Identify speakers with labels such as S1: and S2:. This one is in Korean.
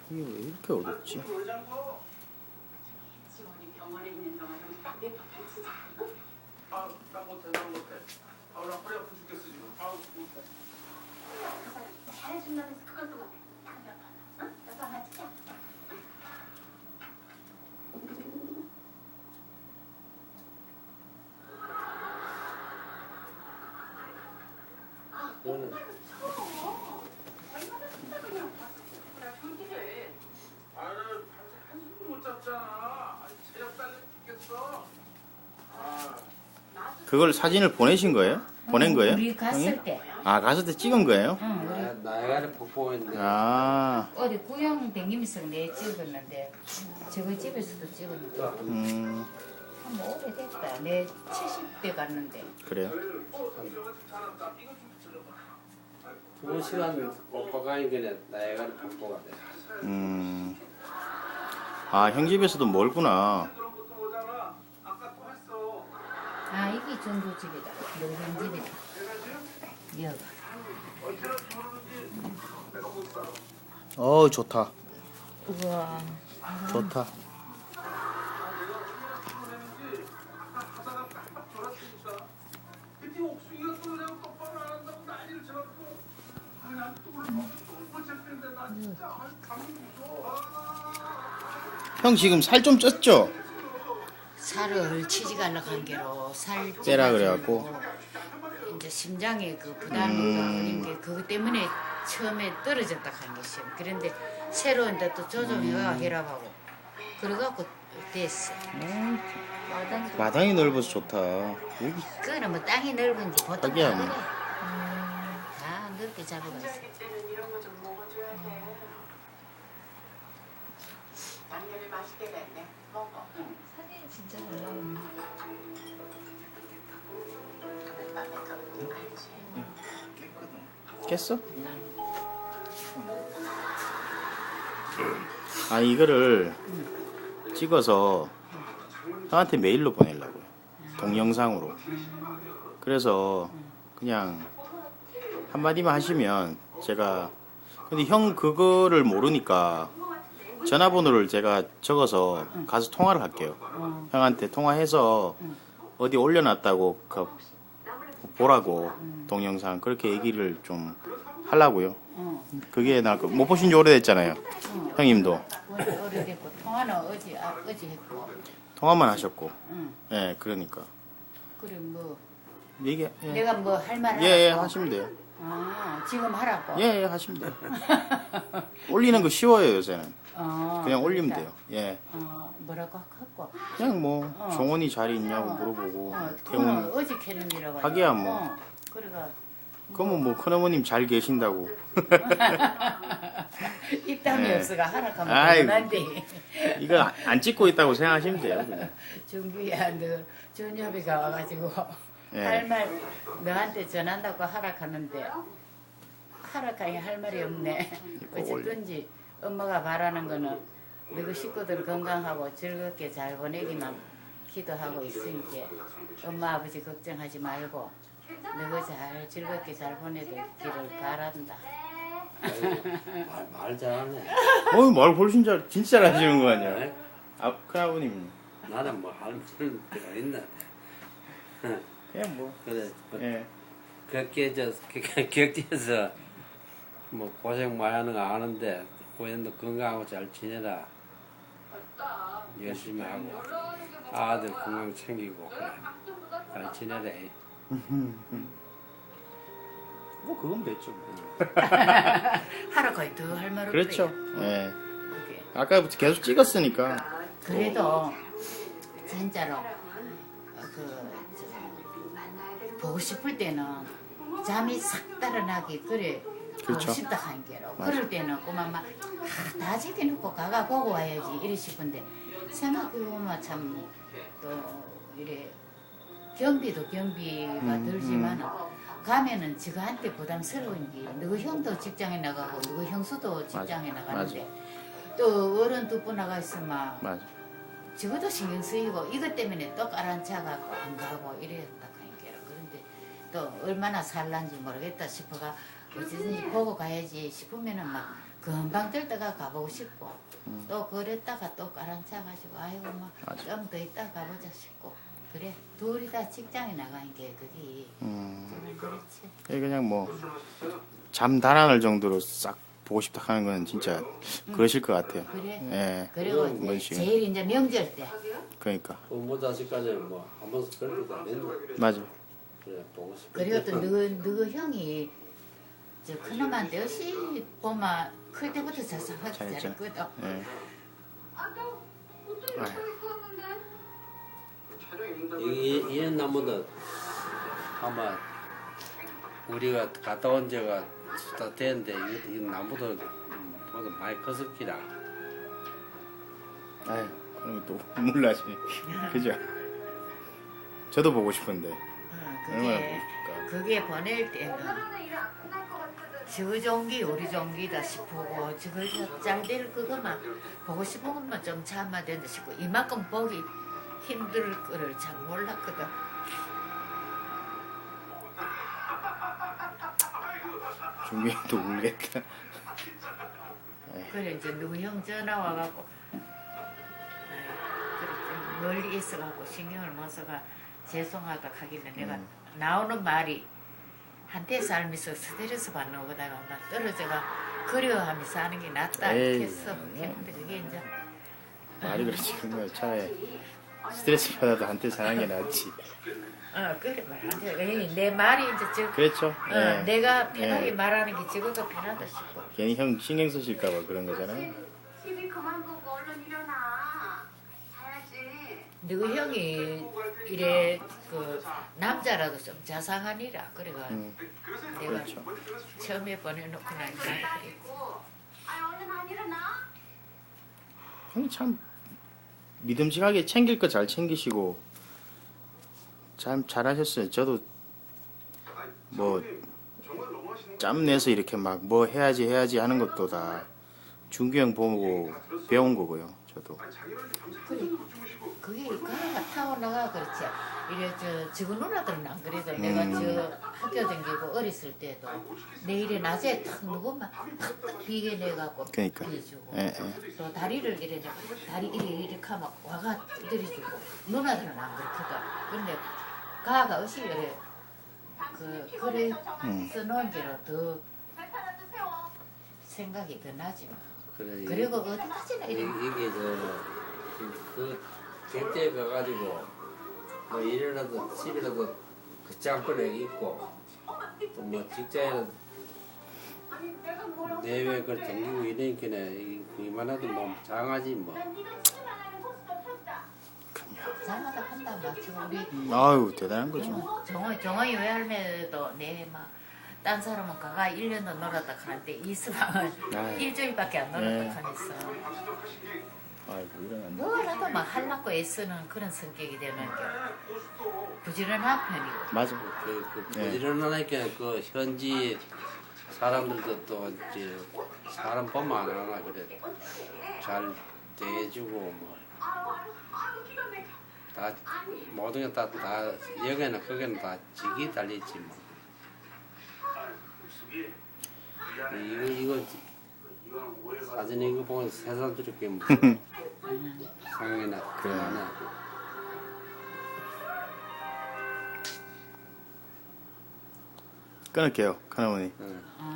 S1: 이게 왜 이렇게 어렵지?
S2: 지원이 병원에 있는 동안은 내 pap을 쓰자.
S3: 아, 나 못해. 나 허리 아파 죽겠어 지금. 못해.
S2: 잘해준다면서 그것도 못해. 당장 응? 나도 하나 찍자.
S4: 너는
S2: 얼마나 쓴다고 그냥 나 경기를.
S3: 아유, 밤새 한숨도 못 잤잖아. 체력 딸려 죽겠어.
S1: 그걸 사진을 보내신 거예요? 보낸 거예요?
S5: 우리 갔을
S1: 형님?
S5: 때.
S1: 아, 갔을 때 찍은 거예요?
S5: 응, 우리
S4: 나야가라 폭포인데
S1: 아,
S5: 어디 구경 댕기면서 내 찍었는데 저거 집에서도 찍었는데 뭐 오래됐다. 내 70대 갔는데.
S1: 그래요?
S3: 잘한다. 이거 좀 붙여줘봐.
S4: 2시간 뻑뻑하니 그래 나야가라 폭포가 돼.
S1: 아, 형 집에서도 멀구나.
S3: 그런 것도 오잖아. 아까 또 했어.
S5: 아 이게 전도집이다. 노선 집이다. 여가.
S3: 언제나 모르는지 내가 못 살아.
S1: 좋다.
S5: 우와.
S1: 좋다.
S3: 피곤했는지 아까 하다가 깜빡 졸았으니까 그때 옥수이가 또 그냥 똑바로 안 한다고 난리를 쳐갖고 난 또 그걸 못 잡겠는데 나 진짜 감이 무서워.
S1: 형 지금 살 좀 쪘죠?
S5: 살을 치지갈라 관계로 살
S1: 빼라
S5: 쪄가지고
S1: 그래갖고.
S5: 이제 심장에 그 부담이 걸린 게 그것 때문에 처음에 떨어졌다 한 것이요. 그런데 새로 이제 또 조정해가 혈압하고 그래갖고 됐어. 마당
S1: 마당이 넓어서 좋다. 여기
S5: 그거는 뭐 땅이 넓은지 보통
S1: 하기야
S5: 다
S1: 뭐.
S5: 그래. 다 넓게 잡아가 있어.
S2: 때는 이런 거 좀 먹어줘야 돼. 양념이 맛있게 됐네. 먹어. 응.
S5: 사진 진짜 잘 나오네.
S2: 밤에 그 알지.
S1: 깼어? 아, 이거를 찍어서 형한테 메일로 보내려고요. 동영상으로. 그래서 그냥 한마디만 하시면 제가, 근데 형 그거를 모르니까 전화번호를 제가 적어서 가서 통화를 할게요. 형한테 통화해서 어디 올려놨다고 보라고 동영상 그렇게 얘기를 좀 하려고요. 그게 못 보신 지 오래됐잖아요. 형님도
S5: 오래됐고 통화는 어제 했고.
S1: 통화만 하셨고.
S5: 응.
S1: 예, 그러니까
S5: 그래 뭐
S1: 얘기 예.
S5: 내가 뭐 할 말
S1: 예,
S5: 하라고?
S1: 하시면 돼요.
S5: 아 지금 하라고.
S1: 예, 하시면 돼요. 올리는 거 쉬워요 요새는. 그냥 올리면
S5: 그러니까.
S1: 돼요. 예,
S5: 뭐라고 하고.
S1: 그냥 뭐 종원이 자리 있냐고 물어보고
S5: 그거는
S1: 태훈
S5: 어제 캐는이라고.
S1: 하기야 뭐.
S5: 그래가
S1: 그러면 뭐 큰어머님 잘 계신다고.
S5: 입담이
S1: 네.
S5: 없어가 하락하면
S1: 아이고.
S5: 그만한데.
S1: 이거 안 찍고 있다고 생각하시면 돼요. 그냥.
S5: 정규야 너 전협이가 와가지고
S1: 예.
S5: 할 말 너한테 전한다고 하락하는데 하락하니 할 말이 없네. 어쨌든지 엄마가 바라는 거는 너희 식구들 건강하고 즐겁게 잘 보내기만 기도하고 있으니까 엄마 아버지 걱정하지 말고 너희 잘 즐겁게 잘 보내기를 바란다.
S4: 말 잘하네.
S1: 말 훨씬 진짜 잘하시는 거 아니야? 아, 큰아버님
S4: 나는 뭐 할 말은 있나.
S1: 그냥 뭐.
S4: 그래.
S1: 예.
S4: 그렇게 격지에서 뭐 고생 많이 하는 거 아는데 고현도 건강하고 잘 지내라. 열심히 하고 아들 건강 챙기고 그래. 잘 지내라.
S1: 뭐 그건 됐죠. 뭐.
S5: 하락하니 더 할 말 없대.
S1: 그렇죠. 예.
S5: 그게.
S1: 아까부터 계속 찍었으니까.
S5: 그래도 진짜로 보고 싶을 때는 잠이 싹 달아나기 그래
S1: 그렇죠.
S5: 보고 싶다 한 게로
S1: 맞아.
S5: 그럴 때는 꼬마마 다 지켜놓고 가가 보고 와야지 이래 싶은데 생각해보면 참 또 이래 경비도 경비가 들지만 가면은 저한테 부담스러운 게 누구 형도 직장에 나가고 누구 형수도 직장에
S1: 맞아.
S5: 나가는데 또 어른 두 분 나가 있으면
S1: 맞아.
S5: 저것도 신경 쓰이고 이것 때문에 또 깔아앉혀갖고 안 가고 이랬다 하니까 그런데 또 얼마나 살란지 모르겠다 싶어가 어쨌든지 보고 가야지 싶으면은 막 금방 들다가 가보고 싶고 또 그랬다가 또 가라앉혀가지고 아이고 뭐 좀 더 있다 가보자 싶고 그래 둘이 다 직장에 나가는 게 그게 좀 그렇지.
S1: 그냥 뭐 잠 달아날 정도로 싹 보고 싶다 하는 건 진짜 그러실 것 같아요.
S5: 그래.
S1: 예.
S5: 그리고
S1: 그런
S5: 이제
S1: 식으로.
S5: 제일 이제 명절 때
S1: 그러니까
S4: 부모 자식까지 뭐 한 번씩 그런 거다 낸다.
S1: 맞아.
S4: 그래 보고 싶어.
S5: 그리고 또 너희 형이 저 큰놈한테 역시 보면 클 때부터 자상하게
S1: 잘했죠.
S5: 잘했거든.
S1: 예.
S4: 이런 나무도 아마 우리가 갔다 온 지가 다 됐는데 이 나무도 모두 많이 컸었기라.
S1: 아유, 그런 것도 몰라지. 그죠? 저도 보고 싶은데. 얼마나 보고 싶을까.
S5: 그게 보낼 때는 저 종기 우리 종기다 싶고 저거 잘될 그거만 보고 싶은 것만 좀 참아야 된다 싶고 이만큼 보기 힘들 거를 잘 몰랐거든.
S1: 중경도 울겠다.
S5: 그래 이제 누구 형 전화 와갖고 그래 좀 멀리 있어갖고 신경을 못 써가 죄송하다 하길래 내가 나오는 말이 한때 살면서 스트레스 받는 것보다가 나 떨어져가 그리워하면서 사는 게 낫다
S1: 에이,
S5: 했어. 근데 그게 이제
S1: 말이 그렇지. 그러면 차라리 스트레스 받아도 한테 사는 게 낫지.
S5: 그래 말한테 내 말이 이제 저
S1: 그렇죠. 예.
S5: 내가 편하게
S1: 예.
S5: 말하는 게 저것도 편하다 싶고.
S1: 괜히 형 신경 쓰실까봐 그런 거잖아요.
S2: TV 그만 보고 얼른 일어나. 자야지.
S5: 너희 형이 이래 그 남자라도 좀 자상하니라 그래가 내가
S1: 그렇죠.
S5: 처음에 보내놓고 나니까 그래.
S2: 아이고. 아 얼른 안 일어나?
S1: 형이 참 믿음직하게 챙길 거 잘 챙기시고 참 잘하셨어요. 저도 뭐 짬 내서 이렇게 막 뭐 해야지 하는 것도 다 준규 형 보고 배운 거고요. 저도.
S5: 그게 가가 타고나가 그렇지. 이래 저거 누나들은 안 그래도 내가 저 학교 다니고 어렸을 때도 내일에 낮에 탁 누구만 탁탁 비게 내갖고
S1: 그러니까.
S5: 비주고
S1: 예, 예.
S5: 또 다리를 이래 다리 이렇게 하면 와가 두드려주고 누나들은 안 그렇거든. 근데 가가 어시 그래 그래 써놓은 게로 더 생각이 더 나지 뭐.
S4: 그래,
S5: 그리고 어디까지나 이래
S4: 이게 그 객대에 가가지고 뭐 일이라도 집이라도 그 짬뽕에 있고 또 뭐 직장에는 내외 그걸 댕기고 이러니까 이만해도 뭐 장하지 뭐.
S5: 장하다 한다 마치 우리
S1: 아유 대단한 거죠.
S5: 정호이 외할매도 내막딴 사람은 가가 1년도 놀았다 가는데 이수방은
S1: 아유.
S5: 일주일밖에 안 놀았다
S1: 네.
S5: 가면서
S1: 아이고 일어났네.
S5: 뭐라도 막 하려고 애쓰는 그런 성격이 되는 게 부지런한 편이고
S1: 맞아.
S4: 그
S1: 네.
S4: 부지런하니까 그 현지 사람들도 또 이제 사람 보면 안 하나 그래 잘 대해주고 뭐 다 모든 게 다 여기는 거기는 다 직이 달렸지 뭐. 이거 사진 이거 보면 새삼스럽게 뭐 생각이나 그러나.
S1: 끊을게요, 큰어머니.
S4: 응.